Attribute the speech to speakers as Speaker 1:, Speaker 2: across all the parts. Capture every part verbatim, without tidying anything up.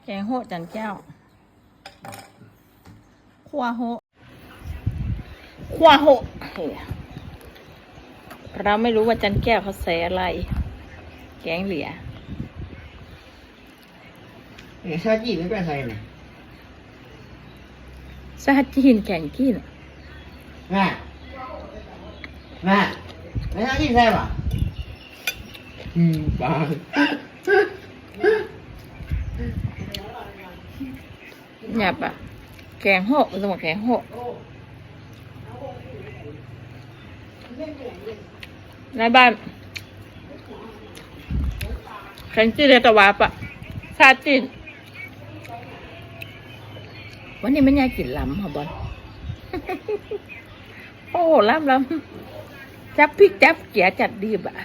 Speaker 1: แกงโหดจันแก้วขั่วโหขั่วโหเราไม่รู้ว่าจันแก้วเขาใส่อะไรแกงเหลีย
Speaker 2: เนี่ยชาจีไม่เป็นไรเลย
Speaker 1: ซาจีนแกงกิน
Speaker 2: แม่แม่ไม่ชาจีใช่ป่ะอืมบ้า
Speaker 1: หยาบอ่ะแกงโหมันต้องบอกแกงโหในบ้านแกงจีนเลยตะวาปะซาจีนวันนี้มันยายกินล้ำเหรอบอล โอ้ล้ำล้ำจับพริกจับเกี๊ยจัดดีบะ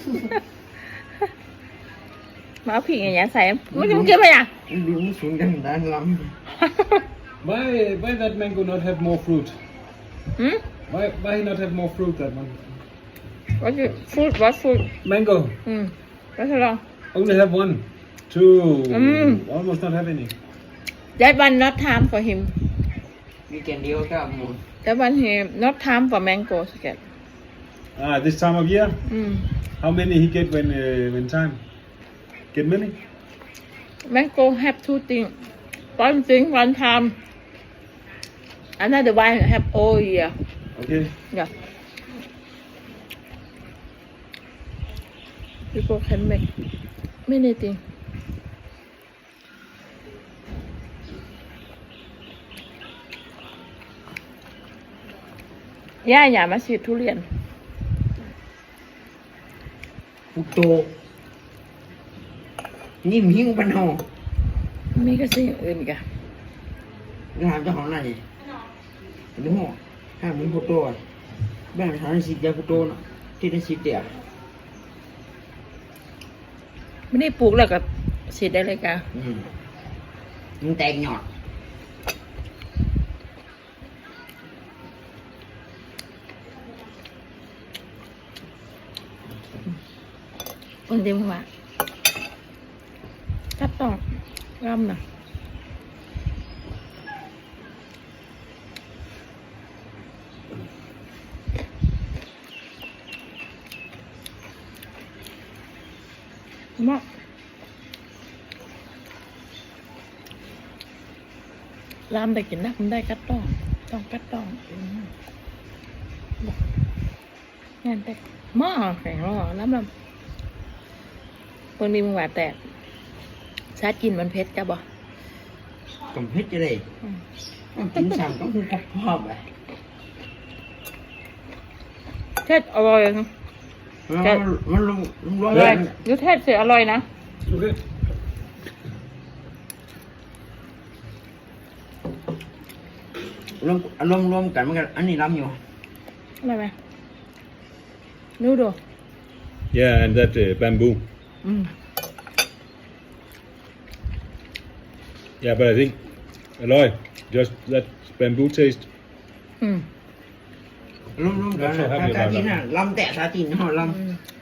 Speaker 1: มาเอาพริกอย่างเงี้ยใส่ไม่ต้องเก็บไปอ่ะ
Speaker 2: ดูมันสูงกันด้านล้ำ
Speaker 3: Why why that mango not have more fruit?
Speaker 1: หืม
Speaker 3: Why why not have more fruit that one?
Speaker 1: ว่าจะฟูดว่าฟูด
Speaker 3: Mango
Speaker 1: อืมแล้วทดลอง
Speaker 3: only have one, two,
Speaker 1: Mm.
Speaker 3: almost not have any.
Speaker 1: that one not time for him
Speaker 2: มีแกนเดียวก็หมด
Speaker 1: that one he not time for mango sket
Speaker 3: Ah, this time of year,
Speaker 1: อืม
Speaker 3: how many he get when uh, when time? Get many?
Speaker 1: mango have two thing one thing one time another one have all year
Speaker 3: Okay.
Speaker 1: yeah people can make many thing ย่าอย่ามาฉีดทุเรียน
Speaker 2: ฟุกโตนิ่มหิ้งปันหอ
Speaker 1: มีก็สิ่งอื่นอีกอะ
Speaker 2: ถามเจ้าของอะไรดูหัวถ้ามีฟุกโตแบ่งทางสิบยาฟุกโตนะที่ได้สิบเดียว
Speaker 1: ไม่ได้ปลูกแล้วก็ฉีดได้เลยกะ
Speaker 2: อืมมันแตกหยอด
Speaker 1: คนเดียวว่าจับต้องรำนะมากรำได้กินนะมันได้กัดต้องต้องกัดต้องอืมงานแต่หม้อแข็งหม้อล้ำลำคนนี้มึงว่าแต่ชาติกินมันเผ็ดจ้ะบ่
Speaker 2: กับเพชรจะได้กินสั่งต้องคือกับพ่อไป
Speaker 1: เทศอร่อยนะ
Speaker 2: มันลงลง
Speaker 1: อร่อยยูเทศเสียอร่อยนะ
Speaker 3: Okay.
Speaker 2: รวมรวมรวมกันมันกันอันนี้ล้ำอยู่
Speaker 1: อร่อยไหมดูดู
Speaker 3: Yeah, and that uh, bamboo.
Speaker 1: อืม
Speaker 3: Yeah, but I think Aloy, just that bamboo taste.
Speaker 1: อืม
Speaker 2: รวมรวมกัน
Speaker 3: แล้วชอบ
Speaker 2: ซา
Speaker 3: ทำอยู่
Speaker 2: ซา
Speaker 3: แล้ว
Speaker 2: จีนน่ะล้ำแต่ซาจีนห่อล้
Speaker 1: อืม
Speaker 2: ำ